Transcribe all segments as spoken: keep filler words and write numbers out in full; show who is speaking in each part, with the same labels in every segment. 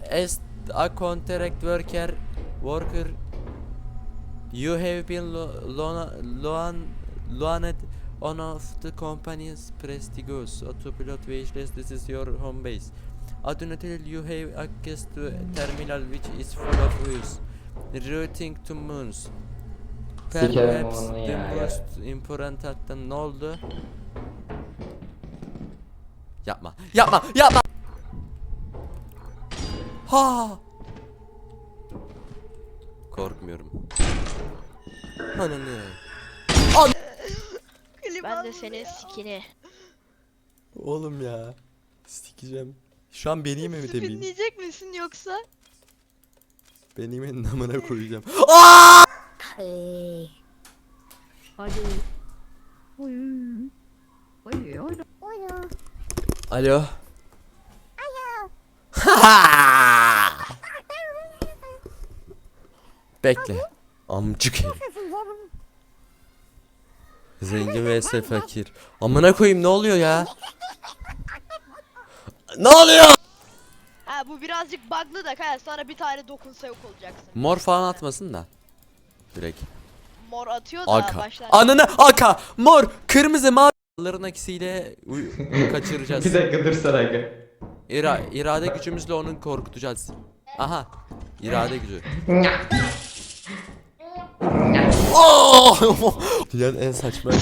Speaker 1: as a contract worker worker you have been lo loan loan loaned one of the company's prestigious autopilot vehicles. This is your home base. Additionally, you have access to a terminal which is full of views routing to moons.
Speaker 2: Sikerim
Speaker 1: Perhaps
Speaker 2: onu
Speaker 1: the
Speaker 2: ya.
Speaker 1: most important hatta ne oldu? Yapma. Yapma. Yapma. Ha. Korkmuyorum. Ananı. An
Speaker 3: Ben de senin sikini.
Speaker 1: Oğlum ya. Sikeceğim. Şu an benim mi demeyeyim?
Speaker 3: Dinleyecek misin yoksa?
Speaker 1: Benim namına koyacağım. Aa!
Speaker 4: Hadi. Hadi. Oy. Oy oy. Oy.
Speaker 1: Alo. Bekle. Amcık herif. Zengin vs fakir. Amına koyayım ne oluyor ya? Ne oluyor?
Speaker 3: Ha bu birazcık bug'lı da kaya sonra bir tane dokunsa yok olacaksın.
Speaker 1: Mor falan atmasın da. Direkt.
Speaker 3: Mor atıyor da
Speaker 1: Aka.
Speaker 3: başlar.
Speaker 1: Ananı aka. Mor, kırmızı, mavi. Onların ikisiyle uy- kaçıracağız.
Speaker 2: Bir dakika dursana aga.
Speaker 1: İra irade gücümüzle onu korkutacağız. Aha. İrade gücü. Oh! Dünyanın en saçma.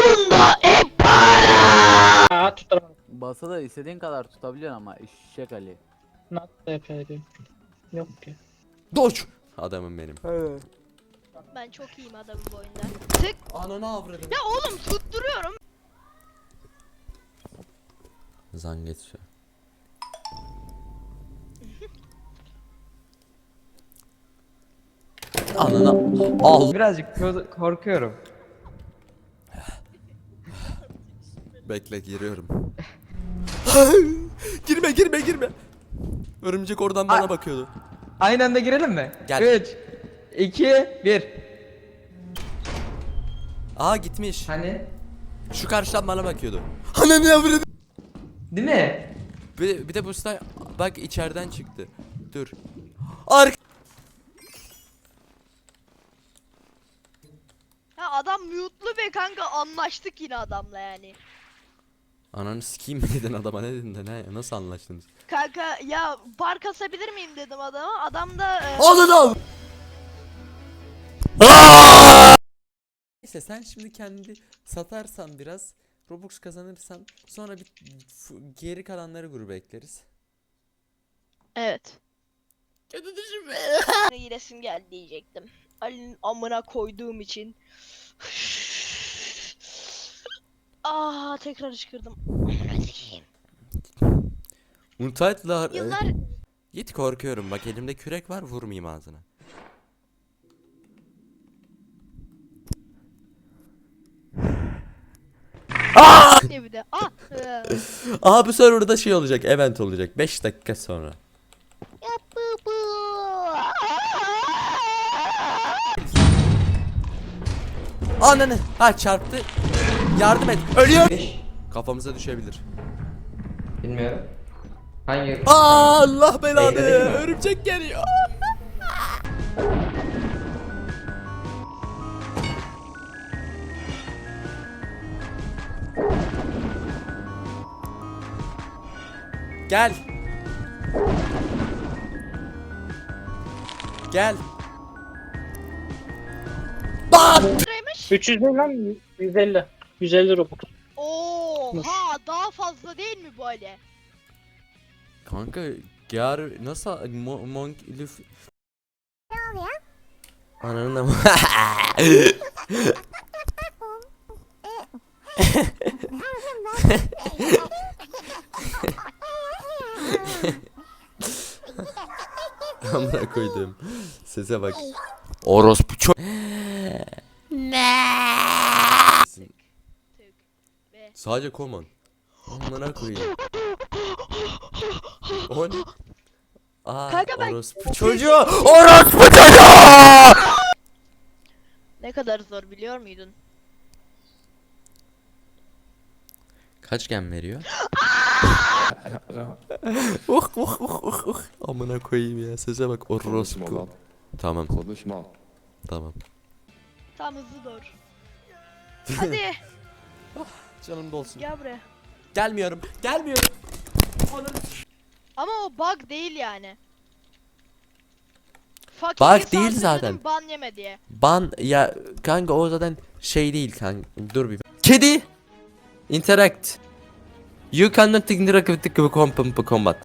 Speaker 5: Aa tutturamadım.
Speaker 6: Basa da istediğin kadar tutabiliyorsun ama eşek Ali.
Speaker 5: Nasıl yapayım? Yok ki.
Speaker 1: Doç. Adamım benim.
Speaker 3: Ben çok iyiyim adamın bu oyunda. Tık.
Speaker 1: Ananı avradım.
Speaker 3: Ya oğlum tutturuyorum.
Speaker 1: Zan geçiyor. Ananı al.
Speaker 2: Birazcık ko- korkuyorum.
Speaker 1: Bekle giriyorum. girme girme girme. Örümcek oradan bana
Speaker 2: Ay.
Speaker 1: bakıyordu.
Speaker 2: Aynı anda girelim mi?
Speaker 1: Gel.
Speaker 2: üç, iki, bir.
Speaker 1: Aa gitmiş.
Speaker 2: Hani?
Speaker 1: Şu karşıdan bana bakıyordu. Ananı avradım.
Speaker 2: Değil mi?
Speaker 1: Bir, bir de bu slime bak içeriden çıktı. Dur. Ark.
Speaker 3: Ya adam mute'lu be kanka, anlaştık yine adamla yani.
Speaker 1: Ananı sikeyim mi dedin adama, ne dedin de ne, nasıl anlaştınız?
Speaker 3: Kanka ya bar kasabilir miyim dedim adama. Adam da e,
Speaker 1: Ananı al. Neyse sen şimdi kendi satarsan biraz Robux kazanırsan sonra bir f- geri kalanları gruba ekleriz.
Speaker 3: evet. Kötü düşünme. Yine resim geldi diyecektim. Ali'nin amına koyduğum için. Aa tekrar ışkırdım.
Speaker 1: Untitle'lar.
Speaker 3: Yıllar
Speaker 1: Git, korkuyorum bak, elimde kürek var, vurmayayım ağzına.
Speaker 3: diye bir de. Ah. e,
Speaker 1: Aha bu serverda şey olacak, event olacak beş dakika sonra. Ananı ha çarptı. Yardım et. Ölüyor. Kafamıza düşebilir.
Speaker 2: Bilmiyorum. Hangi?
Speaker 1: Aa, Allah belanı.
Speaker 2: Beyler değil mi?
Speaker 1: Örümcek geliyor. Gel. Gel. Bak.
Speaker 3: Liraymış.
Speaker 5: üç yüz değil lan, yüz elli. yüz elli Robux.
Speaker 3: Oha daha fazla değil mi bu Ali?
Speaker 1: Kanka yar nasıl mo monk lüf. Ne oluyor? Ananın ama. Amına koydum. Sese bak. Orospu çok. Ne?
Speaker 3: Tık ve
Speaker 1: Sadece common. Amına koyayım. O ne? Aa,
Speaker 3: Kanka ben-
Speaker 1: orospu çocuğu. Orospu çocuğu.
Speaker 3: ne kadar zor biliyor muydun?
Speaker 1: Kaç gem veriyor? uh uh uh uh uh. Amına koyayım ya. Sese bak
Speaker 7: Konuşma
Speaker 1: orospu.
Speaker 7: lan.
Speaker 1: Tamam
Speaker 7: Konuşma.
Speaker 1: tamam.
Speaker 3: Tam hızlı doğru. Hadi
Speaker 1: Canım dolsun.
Speaker 3: gel buraya.
Speaker 1: Gelmiyorum. Gelmiyorum.
Speaker 3: Ama o bug değil yani. Fucking
Speaker 1: Bug
Speaker 3: bir
Speaker 1: değil
Speaker 3: sansürledim,
Speaker 1: zaten.
Speaker 3: Ban yeme diye.
Speaker 1: Ban ya kanka o zaten şey değil kanka. Dur bir. Kedi. Interact. You cannot interact with the combat.